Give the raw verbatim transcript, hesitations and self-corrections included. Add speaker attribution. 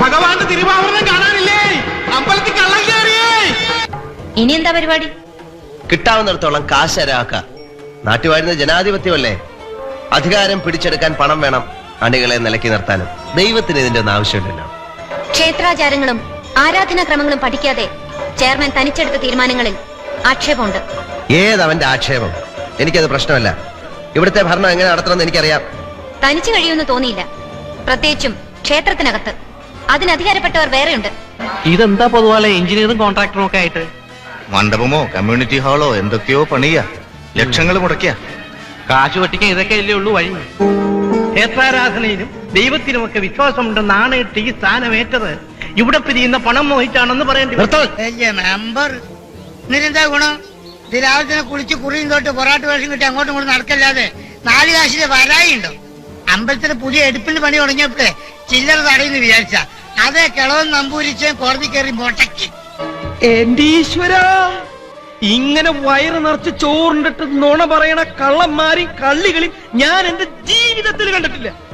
Speaker 1: ഭഗവാന്റെ തിരുവാഭരണം കാണാനില്ലേ? അമ്പലത്തിൽ കള്ളം കയറിയേ.
Speaker 2: ഇനി എന്താ പരിപാടി?
Speaker 3: കിട്ടാവുന്നിടത്തോളം കാശരാക്ക. നാട്ടുവാഴുന്ന ജനാധിപത്യമല്ലേ? അധികാരം പിടിച്ചെടുക്കാൻ പണം വേണം, അണികളെ നിലക്കി നിർത്താനും. ദൈവത്തിന് ഇതിന്റെ ഒന്നും ആവശ്യമില്ലല്ലോ.
Speaker 2: ക്ഷേത്രാചാരങ്ങളും ആരാധനാക്രമങ്ങളും പഠിക്കാതെ ചെയർമാൻ തനിച്ചെടുത്ത തീരുമാനങ്ങളിൽ ആക്ഷേപമുണ്ട്.
Speaker 3: ഏതവന്റെ ആക്ഷേപം? എനിക്കത് പ്രശ്നമല്ല. ഇവിടുത്തെ ഭരണം എങ്ങനെ നടത്തണമെന്ന് എനിക്കറിയാം.
Speaker 2: തനിച്ചു കഴിയുമെന്ന് തോന്നിയില്ല, പ്രത്യേകിച്ചും ക്ഷേത്രത്തിനകത്ത്. അതിന് അധികാരപ്പെട്ടവർ വേറെയുണ്ട്.
Speaker 4: ഇതെന്താ പൊതുവാളെ എഞ്ചിനീയറും കോൺട്രാക്ടറും ഒക്കെ ആയിട്ട്?
Speaker 5: മണ്ഡപമോ കമ്മ്യൂണിറ്റി ഹാളോ എന്തൊക്കെയോ പണിയ, ലക്ഷങ്ങൾ മുടക്കിയ.
Speaker 4: കാശ് വെട്ടിക്കാൻ ഇതൊക്കെ അല്ലേ ഉള്ളൂ വഴി. ക്ഷേത്രാരാധനയിലും ദൈവത്തിനുമൊക്കെ വിശ്വാസമുണ്ടെന്നാണ് ഈ സ്ഥാനമേറ്റത്. ഇവിടെ പിരിയുന്ന പണം മോഹിച്ചാണെന്ന് പറയേണ്ടി
Speaker 6: മെമ്പർ എന്നിട്ടെന്താ ഗുണം? ഇത് രാവിലെ തന്നെ കുളിച്ച് കുറിയും തൊട്ട് പൊറാട്ട് വേഷം കിട്ടി അങ്ങോട്ടും ഇങ്ങോട്ടും നടക്കല്ലാതെ നാല് കാശിന്റെ വരായി ഉണ്ടോ? അമ്പലത്തിന് പുതിയ എടുപ്പിന് പണി തുടങ്ങിയപ്പോഴേ ചില്ലറ തടയുന്നു വിചാരിച്ച അതേ കിളവൻ നമ്പൂരിച്ച് കോടതി കയറി മുട്ടക്കി.
Speaker 1: എന്റെ ഈശ്വര, ഇങ്ങനെ വയറ് നിറച്ച് ചോറിണ്ടിട്ട് നുണ പറയണ കള്ളന്മാരെയും കള്ളികളെയും ഞാൻ എന്റെ ജീവിതത്തിൽ കണ്ടിട്ടില്ല.